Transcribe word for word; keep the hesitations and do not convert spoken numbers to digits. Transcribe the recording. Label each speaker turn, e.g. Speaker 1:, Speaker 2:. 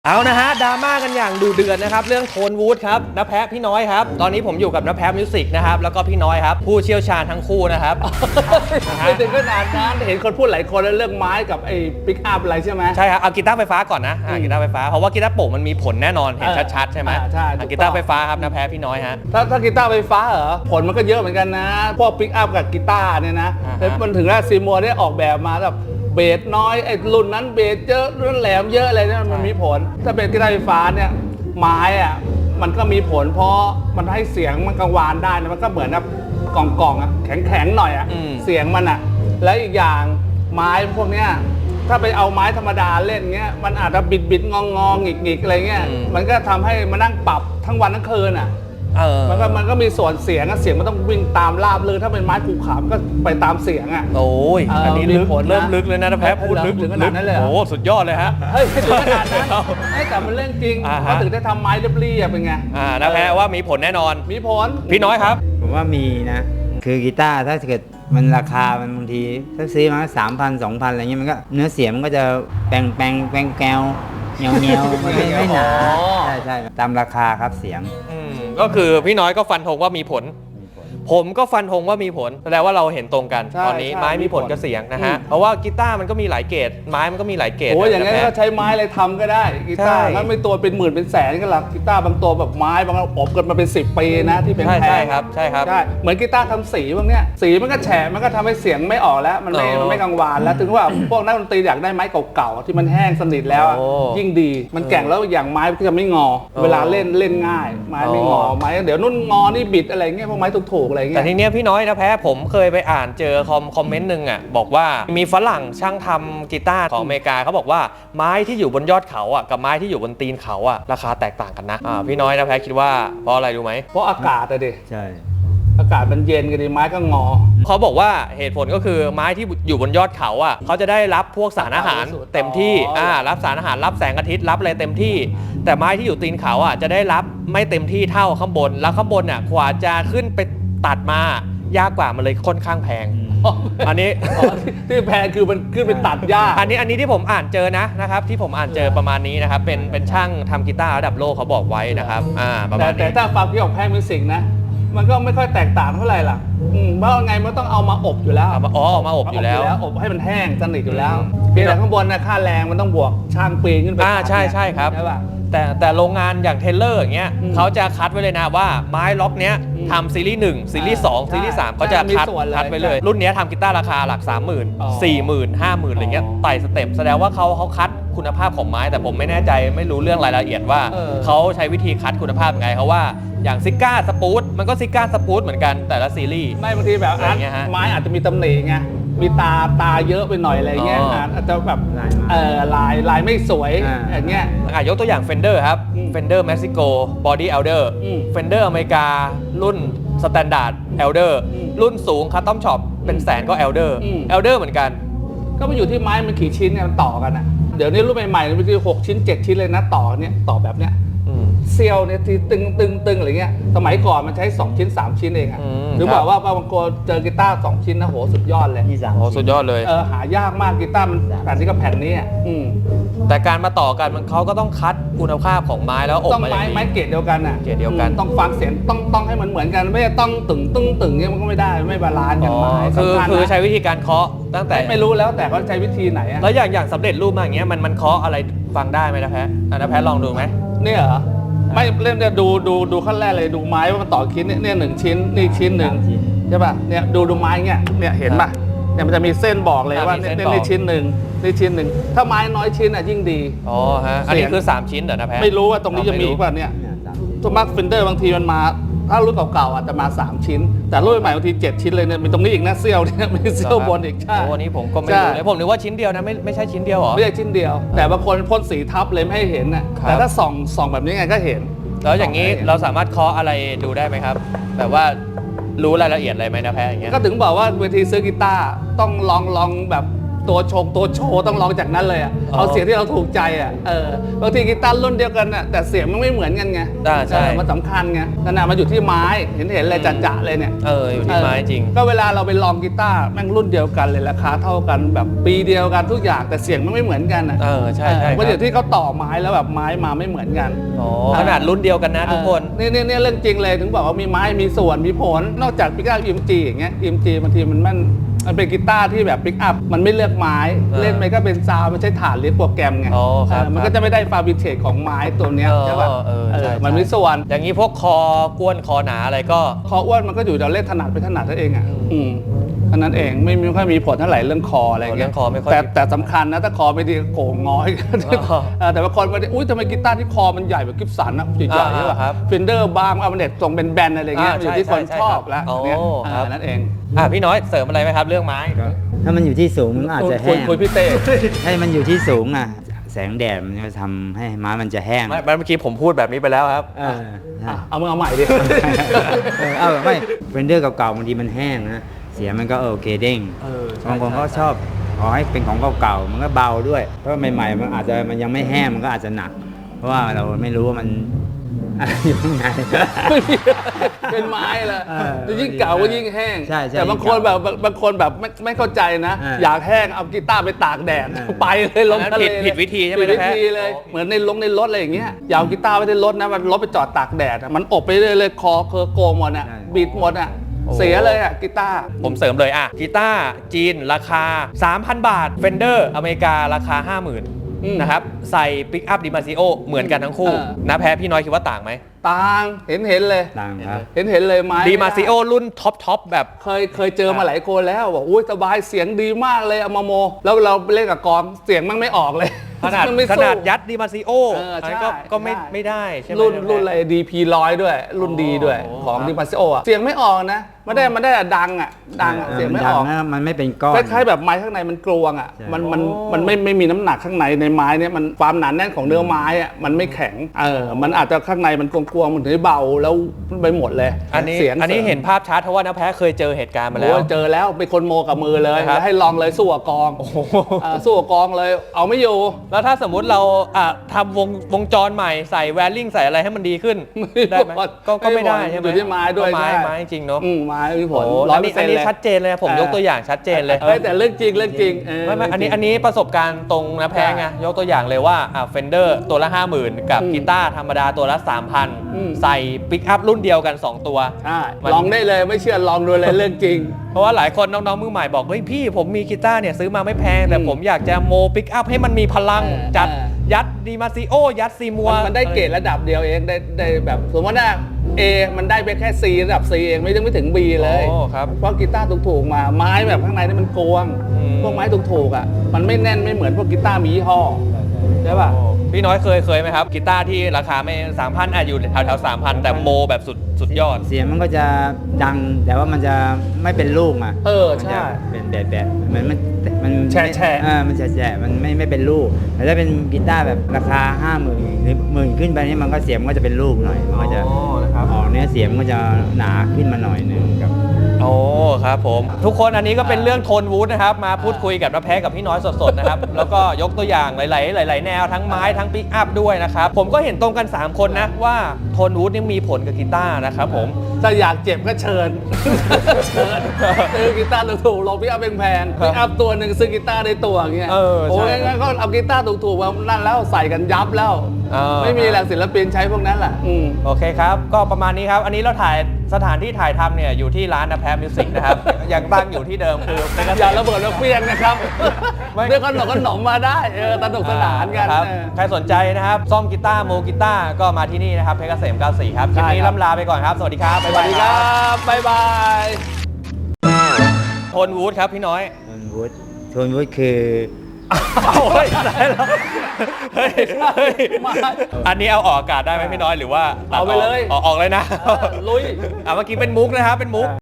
Speaker 1: เอานะฮะดราม่ากันอย่างดูเดือดนะครับเรื่องโทนวูดครับน้าแพะพี่น้อยครับตอนนี้ผมอยู่กับน้าแพะมิวสิกนะครับแล้วก็พี่น้อยครับผู้เชี่ยวชาญทั้งคู่นะครับ
Speaker 2: ไม่ถึงขนาดนั้นเห็นคนพูดหลายคนแล้วเรื่องไม้กับไอ้ปิกอัพอะไรใช่ไหม
Speaker 1: ใช่ครับเอากีตาร์ไฟฟ้าก่อนนะอ่ากีตาร์ไฟฟ้าเพราะว่ากีตาร์โปร่งมันมีผลแน่นอนเห็นชัดๆใช่ไหม
Speaker 2: อ่าใช่
Speaker 1: อ่ากีตาร์ไฟฟ้าครับน้าแพะพี่น้อยฮะ
Speaker 2: ถ้าถ้ากีตาร์ไฟฟ้าเหรอผลมันก็เยอะเหมือนกันนะพวกปิกอัพกับกีตาร์เนี่ยนะ
Speaker 1: อ่าฮะ
Speaker 2: แต่มันถึงแล้วซีมัวได้ออกแบบมาแบบเบสน้อยไอ้รุ่นนั้นเบสเยอะรุ่นแหลมเยอะอะไรเนี่ยมันมีผลถ้าเป็นกีตาร์ไฟฟ้าเนี่ยไม้อะมันก็มีผลเพราะมันให้เสียงมันกังวานได้นะมันก็เหมือนแบบกล่องๆอะแข็งๆหน่อยอะเสียงมันอะและอีกอย่างไม้พวกเนี้ยถ้าไปเอาไม้ธรรมดาเล่นเงี้ยมันอาจจะบิดบิดงองงองหงิกหงิกอะไรเงี้ยมันก็ทำให้มานั่งปรับทั้งวันทั้งคืนอ่ะ
Speaker 1: เออ
Speaker 2: มันก็มันก็มีส่วนเสียงอะเสียงมันต้องวิ่งตามราบเลยถ้าเป็นไม้ภูเขาก็ไปตามเสียงอ่ะ
Speaker 1: โอ้ย
Speaker 2: เอออั
Speaker 1: อันนี้ลึก
Speaker 2: มีผลนะ
Speaker 1: เริ่มลึกเลยนะน้าแพะพูดลึก
Speaker 2: ถึงขนาดนั้นเลยเหรอ
Speaker 1: โอ้สุดยอดเลยฮะ
Speaker 2: เฮ้ยไม่ถึงขนาดนั้นไอ้แต่มันเรื่องจริง
Speaker 1: อ่าฮะ
Speaker 2: เขาถึงได้ทำไม้เรียบๆเป็นไง
Speaker 1: อ่าน้าแพะว่ามีผลแน่นอน
Speaker 2: มีผล
Speaker 1: พี่น้อยครับ
Speaker 3: ผมว่ามีนะ คือกีตาร์ถ้าเกิดมันราคามันบางทีถ้าซื้อมาสามพันสองพันอะไรเงี้ยมันก็เนื้อเสียงมันก็จะแปลงแปลงแปลงแกวเงียวเงียวไม่ไม่หนา
Speaker 1: อ๋อ
Speaker 3: ใช่ใช่ตามราคาครับเสียง
Speaker 1: อืมก็คือพี่น้อยก็ฟันธงว่ามีผล ผมก็ฟันธงว่ามีผลแสดงว่าเราเห็นตรงกัน
Speaker 2: ใช่
Speaker 1: ตอนนี้
Speaker 2: ใช่
Speaker 1: ไม้มีผล
Speaker 2: มีผล
Speaker 1: กับเสียงนะฮะ
Speaker 2: อืม
Speaker 1: เพราะว่ากีตาร์มันก็มีหลายเกรดไม้มันก็มีหลายเกรด
Speaker 2: โอ้ยอย่างงั้น
Speaker 1: ะ
Speaker 2: ก็
Speaker 1: แพะ
Speaker 2: ใช้ไม้อะไรทำก็ได้กีตาร์
Speaker 1: ใช่
Speaker 2: มันไม่ตัวเป็นหมื่นเป็นแสนกันหรอกกีตาร์บางตัวแบบไม้บางอันอบกันมาเป็นสิบปีนะที่เป็น
Speaker 1: ใช่
Speaker 2: แพ
Speaker 1: ใช่
Speaker 2: ง
Speaker 1: ครับใช่ครับ
Speaker 2: ใช่เหมือนกีตาร์ทำสีพวกเนี้ยสีมันก็แฉะมันก็ทำให้เสียงไม่ออกแล้วมันไม่
Speaker 1: อ๋อ
Speaker 2: มันไม่กังวานแล้วถึงว่า พวกนักดนตรีอยากได้ไม้เก่าๆที่มันแห้งสนิทแล้วอะ
Speaker 1: โอ้
Speaker 2: ยิ่งดีมันแกร่งแล้วอย่างไม้ก็จะไม่งอ
Speaker 1: โอ้
Speaker 2: เวลาเล่นเล่นง่าย ไม้ไม่งอ
Speaker 1: โอ้
Speaker 2: ไม้เดี๋ยวนุ่นงอนี่บิดอะไรเงี้ยพวกไม้ถูกๆอะไรเงี้
Speaker 1: แต่
Speaker 2: ย
Speaker 1: ทีเนี้ยพี่น้อยนะแพ้ผมเคยไปอ่านเจอคอมคอมเมนต์หนึ่งอ่ะบอกว่ามีฝรั่งช่างทำกีตาร์ของอเมริกาเขาบอกว่าไม้ที่อยู่บนยอดเขาอ่ะกับไม้ที่อยู่บนตีนเขาอ่ะราคาแตกต่างกันนะอ่าพี่น้อยนะแพ้คิดว่าเพราะอะไรรู้ไหม
Speaker 2: เพราะอากาศอะดิ
Speaker 3: ใช่
Speaker 2: อากาศมันเย็นกันดิไม้ก็งอ
Speaker 1: เขาบอกว่าเหตุผลก็คือไม้ที่อยู่บนยอดเขาอ่ะเขาจะได้รับพวกสารอาหารเต็มที่
Speaker 2: อ๋ออ่
Speaker 1: อ่ารับสารอาหารรับแสงอาทิตย์รับอะไรเต็มที่ แต่ไม้ที่อยู่ตีนเขาอ่ะจะได้รับไม่เต็มที่เท่าข้างบน แล้วข้างบนอ่ะกว่าจะขึ้นไปตัดมายากกว่ามันเลยค่อนข้างแพง อันนี้
Speaker 2: อ๋อที่ที่แพงคือมันขึ้นไปตัดหญ้า
Speaker 1: อันนี้อันนี้ที่ผมอ่านเจอนะนะครับที่ผมอ่านเจอประมาณนี้นะครับเป็นเป็นช่างทำกีตาร์ระดับโลกเขาบอกไว้นะครับอ่าประ
Speaker 2: แต่
Speaker 1: มาณ
Speaker 2: แต่
Speaker 1: นี้
Speaker 2: ถ้าฟังพี่ออกแพ้มิวสิกนะ มันก็ไม่ค่อยแตกต่างเท่าไหร่ล่ะอืมเพราะไงมันต้องเอามาอบอยู่แล้ว
Speaker 1: เอามาอ๋อเอามาอบอยู่แล้ว
Speaker 2: อบให้มันแห้งสนิทอยู่แล้ว
Speaker 1: อืม
Speaker 2: เพียงแต่ข้างบนนะค่าแรงมันต้องบวกช่างปีนขึ้นไป
Speaker 1: อ่า
Speaker 2: ตัด
Speaker 1: ใช่ใช่ครับ
Speaker 2: ใช่ป่ะ
Speaker 1: แต่แต่โรงงานอย่างเทเลอร์อย่างเงี้ย
Speaker 2: อืม
Speaker 1: เขาจะคัดไว้เลยนะว่าไม้ล็อกเนี้ย
Speaker 2: อืม
Speaker 1: ทำซีรีส์หนึ่งซีรีส์สอง
Speaker 2: ใช่
Speaker 1: ซีรีส์สาม
Speaker 2: ใช่
Speaker 1: เขาจะ
Speaker 2: มี
Speaker 1: คัด
Speaker 2: ส่วนเลย
Speaker 1: คัดไว้เลย รุ่นเนี้ยทำกีตาร์ราคาหลัก สามหมื่น
Speaker 2: อ๋อ
Speaker 1: สี่หมื่น ห้าหมื่นอะไรเงี้ย
Speaker 2: อ๋อ
Speaker 1: ไต่สเต็ปแสดงว่าเขาเขาคัดคุณภาพของไม้ แต่ผมไม่แน่ใจไม่รู้เรื่องรายละเอียดว่า
Speaker 2: เออ
Speaker 1: เขาใช้วิธีคัดคุณภาพยังไงเขาว่าอย่างซิก้าสปูตมันก็ซิก้าสปูตเหมือนกันแต่ละซีรีส์
Speaker 2: ไม่บางทีแบบ
Speaker 1: อะไรเงี้ยฮะ
Speaker 2: ไม้อาจจะมีตำหนิไงมีตาตาเยอะไปหน่อยอะไรเงี้ย
Speaker 1: อ๋ออ่
Speaker 2: าอาจจะแบบ
Speaker 3: ลายไม้
Speaker 2: เออลายลายไม่สวย
Speaker 3: อ่า
Speaker 2: อย่างเงี้ย
Speaker 1: อ่ะยกตัวอย่าง Fender ครับ
Speaker 2: อืม
Speaker 1: Fender Mexico Body Elder
Speaker 2: อืม
Speaker 1: Fender อเมริการุ่น Standard Elder
Speaker 2: อืม
Speaker 1: รุ่นสูง Custom Shop เป็นแสนก็ Elder
Speaker 2: อืม
Speaker 1: Elder เหมือนกัน
Speaker 2: ก็มาอยู่ที่ไม้มันกี่ชิ้นเนี่ยมันต่อกันอ่ะเดี๋ยวนี้รุ่นใหม่ๆมันคือหกชิ้นเจ็ดชิ้นเลยนะต่อเนี่ยต่อแบบเนี้ย
Speaker 1: อืม
Speaker 2: เซียวเนี่ยที่ตึงตึงตึงอะไรเงี้ยสมัยก่อนมันใช้สองชิ้นสามชิ้นเองอะ
Speaker 1: อืม
Speaker 2: หรือ
Speaker 1: ครับ
Speaker 2: บอกว่าบางคนเจอกีตาร์สองชิ้นนะโหสุดยอดเลย
Speaker 3: ที่สาม
Speaker 1: โอ้สุดยอดเลย
Speaker 2: เออหายากมากกีตาร์มันแผ่นนี้กับแผ่นนี้อะอืม
Speaker 1: แต่การมาต่อกันมันเขาก็ต้องคัดคุณภาพของไม้แล้วอบ
Speaker 2: ต้อง
Speaker 1: มาอ
Speaker 2: ไม้
Speaker 1: ย่าง
Speaker 2: ไม้
Speaker 1: ดี
Speaker 2: เกรดเดียวกันอ่ะ
Speaker 1: เกรดเดียวกัน
Speaker 2: อืมต้องฟังเสียงต้องต้องให้มันเหมือนกันไม่ใช่ต้องตึงตึงตึงเนี่ยมันก็ไม่ได้ไม่บาลานซ์กัน
Speaker 1: อ๋อ
Speaker 2: ไม้
Speaker 1: คือ
Speaker 2: สำคัญ
Speaker 1: คือ
Speaker 2: นะ
Speaker 1: ใช้วิธีการเคาะตั้งแต่
Speaker 2: ไม่ไม่รู้แล้วแต่เขาใช้วิธีไหนอะ
Speaker 1: แล้วอย่างอย่างสำเร็จรูปมาอย่างเงี้ยมันมันเคาะอะไรฟังได้ไหมนะแพ้อ่ะนะแพ้ลองดูไหม
Speaker 2: เนี่ยเหรอไม่เล่นเนี่ยดูดูดูขั้นแรกเลยดูไม้ว่ามันต่อชิ้นเนี่ยเนี่ยหนึ่งชิ้นนี่ชิ้นหนึ่ง
Speaker 3: สามชิ้น
Speaker 2: ใช่ป่ะเนี่ยดูดูไม้เงี้ยเนี่ยเห็นป่ะเนี่ยมันจะมีเส้นบอกเลย
Speaker 1: อ่ะ
Speaker 2: ว่า
Speaker 1: มี
Speaker 2: เนี่ย
Speaker 1: เส้น
Speaker 2: เนี่ย
Speaker 1: บอก
Speaker 2: นี่ชิ้นหนึ่งนี่ชิ้นหนึ่งถ้าไม้น้อยชิ้นอ่ะยิ่งดี
Speaker 1: อ๋อฮะอันนี้คือสามชิ้นเหรอนะแพ้
Speaker 2: ไม่รู้ว่าตรงนี้จะมี
Speaker 1: อ๋อไม่รู้
Speaker 2: ป่ะเนี่ย
Speaker 3: เนี่ยสามชิ้น
Speaker 2: ตัวมาร์คฟินเดอร์บางทีมันมาถ้ารุ่นเก่าๆอาจจะมาสามชิ้น แต่รุ่นใหม่บางทีเจ็ดชิ้นเลยเนี่ยมีตรงนี้อีกนะเซี่ยวเนี่ยมีเซี่ยวบนอีกใช่
Speaker 1: โอ้อันนี้ผมก็ไม่
Speaker 2: ใช่
Speaker 1: รู้เลยผมนึกว่าชิ้นเดียวนะไม่ไม่ใช่ชิ้นเดียวเหรอ
Speaker 2: ไม่ใช่ชิ้นเดียว แต่บางคนพ่นสีทับเลยไม่ให้เห็นน่ะ
Speaker 1: ครับ
Speaker 2: แต่ถ้าส่องส่องแบบนี้ไงก็เห็น
Speaker 1: แล้วอย่างนี้เราสามารถเคาะอะไรดูได้ไหมครับแบบว่ารู้รายละเอียดอะไรไหมนะแพ้อย่างเงี้ย
Speaker 2: ก็ถึงบอกว่าเวทีซื้อกีตาร์ต้องลองลองแบบตัวชงตัวโชว์ต้องร้องจากนั้นเลยอ่ะ
Speaker 1: อ๋อ
Speaker 2: เอาเสียงที่เราถูกใจอ่ะเออบางทีกีตาร์รุ่นเดียวกันน่ะแต่เสียงมันไม่เหมือนกันไง
Speaker 1: อ่าใช่
Speaker 2: เออมันสำคัญไงนั่นน่ะมันอยู่ที่ไม้เห็นเห็นเลยจัดๆเลยเนี่ย
Speaker 1: เอออยู่ที่ไม้จริง
Speaker 2: เออก็เวลาเราไปลองกีตาร์แม่งรุ่นเดียวกันเลยราคาเท่ากันแบบปีเดียวกันทุกอย่างแต่เสียงมันไม่เหมือนกันอ่ะ
Speaker 1: เออใช่ใช่
Speaker 2: เออมันอ
Speaker 1: ครั
Speaker 2: ยู่
Speaker 1: บ
Speaker 2: ที่เขาต่อไม้แล้วแบบไม้มาไม่เหมือนกัน
Speaker 1: อ๋อขนาดรุ่นเดียวกันนะทุกคน
Speaker 2: เออนี่นี่นี่เรื่องจริงเลยถึงบอกว่ามีไม้มีส่วนมีผลนอกจากปิกอัพ อี เอ็ม จี อย่างเงี้ย อี เอ็ม จี บางทีมันมันมันเป็นกีตาร์ที่แบบปิกอัพมันไม่เลือกไม้
Speaker 1: เออ
Speaker 2: เล่นไปก็เป็นซาวด์มันใช้ฐานเรียกโปรแกรมไง
Speaker 1: อ๋อครับ
Speaker 2: เออมันก็จะไม่ได้ฟาบิเทตของไม้ตัวเนี้ย
Speaker 1: เออ
Speaker 2: ใช่ป่ะ
Speaker 1: เออ
Speaker 2: เอ
Speaker 1: ใช่
Speaker 2: อ
Speaker 1: ใช่
Speaker 2: มันมีส่วน
Speaker 1: อย่างนี้พวกคอกวนคอหนาอะไรก็
Speaker 2: คออ้วนมันก็อยู่เราเล่นถนัดไปถนัดนั่นเองอ่ะอืมอันนั้นเองไม่ไม่ค่อยมีผลเท่าไหร่เรื่องคออะไร
Speaker 1: เรื่
Speaker 2: เงี้
Speaker 1: อย งคอไม่ค่อย
Speaker 2: แต่
Speaker 1: มี
Speaker 2: แต่สำคัญนะถ้าคอไม่ดีโก่งงอย
Speaker 1: อ๋อ
Speaker 2: เออแต่บางคนมาอุ้ยทำไมกีตาร์ที่คอมันใหญ่แบบกิฟสันอะใหญ่ๆใช่ป่ะ
Speaker 1: อ่าครับ
Speaker 2: ฟินเดอร์บาร์มเอาเน็ตตรงเป็นแบนอะไรเงี้ย
Speaker 1: อ่า
Speaker 2: อยู่ที่
Speaker 1: ใช่
Speaker 2: คน
Speaker 1: ใช่
Speaker 2: ชอบแล้ว
Speaker 1: อ๋อ
Speaker 2: เนี่ย
Speaker 1: ครับ
Speaker 2: เออนั่นเอง
Speaker 1: อ่ะพี่น้อยเสริมอะไรไหมครับเรื่องไม้
Speaker 3: ก็ถ้ามันอยู่ที่สูงมันก็อาจจะ
Speaker 2: คุ
Speaker 3: แห้
Speaker 2: ย
Speaker 3: ง
Speaker 2: คุยพี่เต้
Speaker 3: ให้มันอยู่ที่สูงอ่ะแสงแดดมันจะทำให้ไม้มันจะแห้ง
Speaker 1: ไม่เมื่อกี้ผมพูดแบบนี้ไปแล้วครับ
Speaker 3: เออใช่
Speaker 2: อ่ะเอามึงเอาใหม่ดิ
Speaker 3: เออเอาไม่เฟนเดอร์เก่าๆบางทีมันแห้งนะเสียงมันก็โอเคเด้ง
Speaker 1: เออใช่
Speaker 3: บางคนก็
Speaker 1: ใช่
Speaker 3: ชอบขอให้เป็นของเก่าๆมันก็เบาด้วยเพราะใหม่ๆมันอาจจะมันยังไม่แห้งมันก็อาจจะหนัก เพราะว่าเราไม่รู้ว่ามัน อะไรอยู่ข้างใน
Speaker 2: เป็นไม้ละ
Speaker 3: เออ
Speaker 2: จะยิ่งเก่าก็ยิ่งแห้ง
Speaker 3: ใช่ใช่
Speaker 2: แต่บางคน
Speaker 3: ยิ่ง
Speaker 2: แบ
Speaker 3: เก่า
Speaker 2: บบบางคนแบบไม่ไม่เข้าใจนะ
Speaker 3: เออ
Speaker 2: อยากแห้งเอากีตาร์ไปตากแดด
Speaker 3: เออ
Speaker 2: ไปเลยลง
Speaker 1: อันนั้น
Speaker 2: ทะเล
Speaker 1: ผิดผิดวิธีใช่ไหม
Speaker 2: ผิดวิ
Speaker 1: นะแพะ
Speaker 2: ธีเลย
Speaker 1: อ๋อ
Speaker 2: เหมือนในลงในรถอะไรอย่างเงี้ยอยากเอากีตาร์ไปในรถนะมันรถไปจอดตากแดดอะมันอบไปเรื่อยเลยคอเคอโกงหมดอ่ะ
Speaker 3: ใช่
Speaker 2: บิดหมดอ่ะ
Speaker 1: โอ้
Speaker 2: เสียเลยอ่ะกีตาร์
Speaker 1: ผมเสริมเลยอ่ะกีตาร์จีนราคา สามพัน บาทเฟนเดอร์อเมริการาคา ห้าหมื่น
Speaker 2: อืม
Speaker 1: นะครับใส่ปิกอัพดิมาซิโอเหมือนกันทั้งคู่
Speaker 2: เออ
Speaker 1: นะแพ้พี่น้อยคิดว่าต่างไหม
Speaker 2: ต่างเห็นเห็นเลย
Speaker 3: ต่างครับ
Speaker 2: เห็นเห็นเลยไม้
Speaker 1: ดิมาซิโอรุ่นท็อปท็อปแบบ
Speaker 2: เคยเคยเจอมาหลายคนแล้วบอกอุ้ยสบายเสียงดีมากเลยเอามาโม แล้วเราไปเล่นกับกองเสียงมันไม่ออกเลย
Speaker 1: ขนาด
Speaker 2: มันไม่
Speaker 1: ข
Speaker 2: สู้
Speaker 1: นาดยัดดิมาซิโอ
Speaker 2: เออใช่
Speaker 1: อันนั้นก็ก็ไม่
Speaker 2: ใช่
Speaker 1: ไม่ได้ใช่ไหม
Speaker 2: รุ่น
Speaker 1: แพ้
Speaker 2: รุ่นอะไร ดี พี หนึ่งร้อย ด้วย รุ่นดีด้วย
Speaker 1: โอ้
Speaker 2: ของ
Speaker 1: ครับ
Speaker 2: ดิมาซิโออะเสียงไม่ออกนะไม่ได้มันได้แต่ดังอ่ะดังอะเสียงไม่ออก
Speaker 3: นดันะมันไม่เป็นก้อน
Speaker 2: คล้ายๆแบบไม้ข้างในมันกลวงอ่ะ
Speaker 3: ใช่
Speaker 2: มันมันมันไม่ไม่มีน้ำหนักข้างในในไม้เนี่ยมันความหนาแน่นของเนื้อไม้อ่ะมันไม่แข็งเออมันอาจจะข้างในมันกลวงๆมันถึงได้เบาแล้วไปหมดเลย
Speaker 1: อันนี้
Speaker 2: เสียง
Speaker 1: อันนี้
Speaker 2: สริม
Speaker 1: เห็นภาพชัดเพราะว่าน้าแพ้เคยเจอเหตุการณ์มาแล้
Speaker 2: โอ้
Speaker 1: ว
Speaker 2: ยเจอแล้วเป็นคนโมกับมือเลย
Speaker 1: ครับ
Speaker 2: แล้วให้ลองเลยสู้กับกอง
Speaker 1: โอ้โห
Speaker 2: อ่าสู้กับกองเลย เอาไม่อยู่
Speaker 1: แล้วถ้าสมมุติเราอ่ะทำวงวงจรใหม่ใส่แวรลิ่งใส่อะไรให้มันดีขึ้น ได้ไหมก็ก็ไม่ได้ใช่ไหม
Speaker 2: อยู่ที่ไม้ด้วย
Speaker 1: ก็ไม้
Speaker 2: ใช่
Speaker 1: ไม้จริงเนาะ
Speaker 2: อืมไม้มีผล
Speaker 1: โอ้
Speaker 2: ร้
Speaker 1: อั
Speaker 2: อย
Speaker 1: น
Speaker 2: เปอ
Speaker 1: นี้
Speaker 2: ร์เซ็
Speaker 1: อั
Speaker 2: น
Speaker 1: น
Speaker 2: ต์
Speaker 1: นี้
Speaker 2: เลย
Speaker 1: ชัดเจนเลยผม
Speaker 2: เออ
Speaker 1: ยกตัวอย่างชัดเจนเลย
Speaker 2: เฮ้ยแต่เรื่องจริงเรื่องจริงเ
Speaker 1: ไม่ไม่อันนี้อันนี้ประสบการณ์ตรงนะแพ้ไงยกตัวอย่างเลยว่าอ่ะเฟนเดอร์ตัวละ ห้าหมื่น กับ
Speaker 2: อืม
Speaker 1: กีตาร์ธรรมดาตัวละ สามพัน
Speaker 2: อืม
Speaker 1: ใส่ปิกอัพรุ่นเดียวกัน สอง ตัว
Speaker 2: ใช่
Speaker 1: มัน
Speaker 2: ลองได้เลยไม่เชื่อลองดูเลยเรื่องจริง
Speaker 1: เพราะว่าหลายคนน้องๆมือใหม่บอกเฮ้ยพี่ผมมีกีตาร์เนี่ยซื้อมาไม่แพง แต่
Speaker 2: อืม
Speaker 1: ผมอยากจะโมปิกอัพให้มันมีพลัง
Speaker 2: เออ
Speaker 1: จัด
Speaker 2: เออ
Speaker 1: ยัดดีมาซิโอยัดซีมัว
Speaker 2: มันมันได้เกรดระดับเดียวเองได้ได้แบบสมมติว่า A มันได้ไปแค่ C ระดับ C เองไม่ต้องไม่ถึง B เลย
Speaker 1: โอ้ครับ
Speaker 2: เพราะกีตาร์ถูกๆมาไม้แบบข้างในนี่มันกลวง
Speaker 1: อืม
Speaker 2: พวกไม้ถูกๆอ่ะมันไม่แน่นไม่เหมือนพวกกีตาร์มียี่ห้อใช่ป่ะ
Speaker 1: โอ้พี่น้อยเคยเคยไหมครับกีตาร์ที่ราคาไม่สามพันอ่ะอยู่แถวแถวสามพันแต่โมแบบสุดสุดยอด
Speaker 3: เสียงมันก็จะดังแต่ว่ามันจะไม่เป็นลูกอ่ะ
Speaker 2: เออ
Speaker 3: มัน
Speaker 2: ใช่
Speaker 3: จะเป็นแบบแบบเหมือนมันมัน
Speaker 2: แฉะแฉะ
Speaker 3: เออมันแฉะแฉะมันไม่ไม่เป็นลูกแต่ถ้าเป็นกีตาร์แบบราคาห้าหมื่นหรือหมื่นขึ้นไปนี่มันก็เสียงมันก็จะเป็นลูกหน่อยมันก็จะ
Speaker 1: อ๋อนะครับ
Speaker 3: ออกเนื้อเสียงมันก็จะหนาขึ้นมาหน่อยหนึงครับ
Speaker 1: โอ้ครับผมทุกคนอันนี้ก็เป็นเรื่องโทนวูดนะครับมาพูดคุยกับน้าแพ้กับพี่น้อยสดๆนะครับ แล้วก็ยกตัวอย่างหลายๆหลาย ๆ แนวทั้งไม้ทั้งปิกอัพด้วยนะครับผมก็เห็นตรงกัน สาม คนนะว่าโทนวูดนี่มีผลกับกีตาร์นะครับผม
Speaker 2: ถ้าอยากเจ็บก็เชิญ เชิญซื้อกีตาร์ถูกๆลงพี่อัพแพงๆ
Speaker 1: ครับ
Speaker 2: พี่อัพตัวหนึ่งซื้อกีตาร์ในตัวอย่างเงี้ย
Speaker 1: เออใช่
Speaker 2: โอ้ยงั้นก็เอากีตาร์ถูกๆมานั่นแล้วใส่กันยับแล้ว
Speaker 1: เออ
Speaker 2: ไม่มีแหละศิลปินใช้พวกนั้นแหละอืม
Speaker 1: โอเคครับ ก็ประมาณนี้ครับ อันนี้เราถ่ายสถานที่ถ่ายทำเนี่ยอยู่ที่ร้านนะแพ้มิวสิกนะครับ ยังตั้งอยู่ที่เดิมคือเป็น
Speaker 2: อย่าระเบิดระเฟียงนะครับ
Speaker 1: ไม่
Speaker 2: ด้วยขนมขนมมาได้เออสนุกสนานกัน
Speaker 1: ครับ
Speaker 2: เออ
Speaker 1: ใครสนใจนะครับ ซ่อมกีตาร์โมกีตาร์ก็มาที่นี่นะครับเพชรเกษมเก้าสิบสี่ครับคลิปนี้
Speaker 2: ใช่ครับ
Speaker 1: ล่ำลาไปก่อนครับ สวัสดีครับ
Speaker 2: สวัสดีครับบ๊ายบาย
Speaker 1: โทนวูดครับพี่น้อย
Speaker 3: โทนวูดโทนวูดคือ
Speaker 1: เอาเฮ้ยได้แล้วเฮ้ยเฮ้ยอันนี้เอาออกอากาศได้ไหมพี่น้อยหรือว่าตัด
Speaker 2: เอาไปเลย
Speaker 1: ออกออกเลยนะ
Speaker 2: เออลุย
Speaker 1: อ่ะเมื่อกี้เป็นมุกนะครับเป็นมุก